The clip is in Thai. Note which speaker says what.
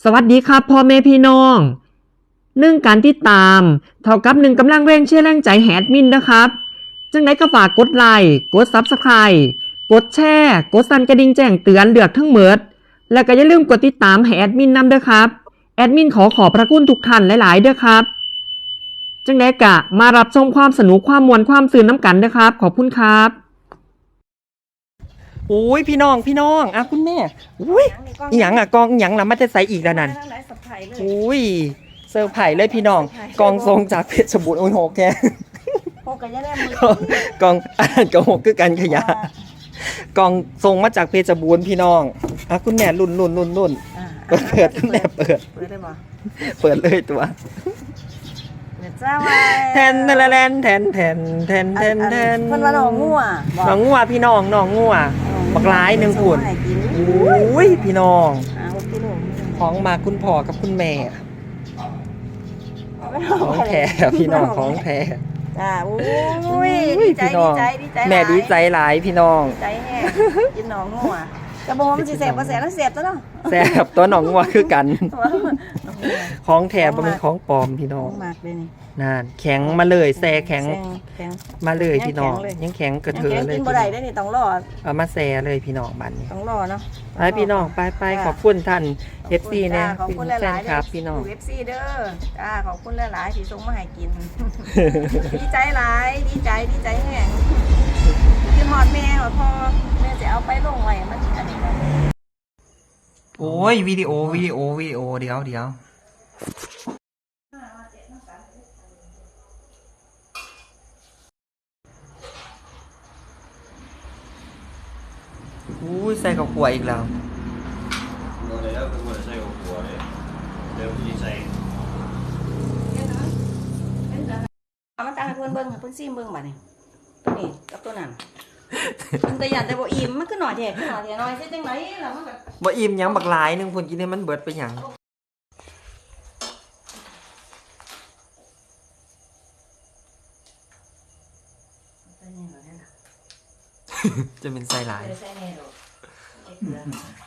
Speaker 1: สวัสดีครับพ่อแม่พี่น้องการติดตามเท่ากับกำลังแรงเชียร์แรงใจแฮดมินนะครับจังไดก็ฝากกดไลค์กด Subscribe กดแชร์กดสั่นกระดิ่งแจ้งเตือนเลือกทั้งหมดแล้วก็อย่าลืมกดติดตามให้แอดมินนำด้วยครับแอดมินขอพระคุณทุกท่านหลายๆด้วยครับจังไดกะมารับชมความสนุกความมวลความสื่นน้ำกันนะครับขอบคุณครับโอ้ยพี่น้องอ่ะคุณแม่อุ้ยอีหยังอ่ะกองอีหยังล่ะมันจะใส่อีกแล้วนั่นอุ้ยเซอร์ไพรส์เลยพี่น้องกองทรงจากเพชรบูรณ์โอ้โหแก
Speaker 2: โหกันยังได้มือก
Speaker 1: องอ่านกองคือกันขยะกองทรงมาจากเพชรบูรณ์พี่น้องอ่ะคุณแม่รุ่นเปิดคุณแม่เปิด
Speaker 2: ได้บ่
Speaker 1: เปิดเลยตัว
Speaker 2: จ้าไว้
Speaker 1: แทนแทนเ
Speaker 2: พิ่นว่าน้องงัว
Speaker 1: พี่น้องน้องงัวบักหลาย1พุ่นอุ้ยพี่น้องของมาคุณพ่อกับคุณแม่ของแท้พี่น้องของแท้
Speaker 2: จ้าอุ้ยดีใจ
Speaker 1: แม่ดีใจหลายพี่น้อง
Speaker 2: ใจแห้งกินน้องงัวจะบอกว่ามันสิแซ่บบ่แซ่บแล้วแซ่บตัวเนาะ
Speaker 1: แซ่บตัวน้องงัวคือกันของแท้บ่เป็นของปลอมพี่น้อง
Speaker 2: มากเลยนี่
Speaker 1: นั่นแข็งมาเลยแซ่แข็งมาเลยพี่น้องยังแข็งกระเทือเลย
Speaker 2: กินบ่ได้ได้นี่ต้องรอ
Speaker 1: เอามาแซ่เลยพี่น้องบัดนี้
Speaker 2: ต้องรอเนาะ
Speaker 1: ไปพี่น้องไปขอบคุณท่าน FC นะ
Speaker 2: ขอบคุณหลายๆ
Speaker 1: ครับพี่น้อง
Speaker 2: FC เด้อจ้าขอบคุณหลายๆที่ส่งมาให้กินดีใจหลายดีใจแห้งกินฮอดแม่ฮอดพ่อแม่จะเอาไปลงไว้มันอันนี้
Speaker 1: โอ้ยวิดีโอเดี๋ยวอุ้ยใส่กับขวดอีกแล้ว
Speaker 3: หมดแล้วคือหมดใส่กับหัวเลยเดี๋ยวพี่ใส่
Speaker 2: เอามาตั้งให้เพิ่นเบิ่งให้เพิ่นซิมเบิ่งบัดนี้ตัวนี้กับตัวนั้นมันแต่ยันแต่บ่อิ่มมันคือหน่อยแท้หน่อยสิจังได๋ล่ะมันก็
Speaker 1: บ่อิ่มหยังบักหลายนึงพุ่นกินให้มันเบิดไปหยังจะเป็นไส้หลาย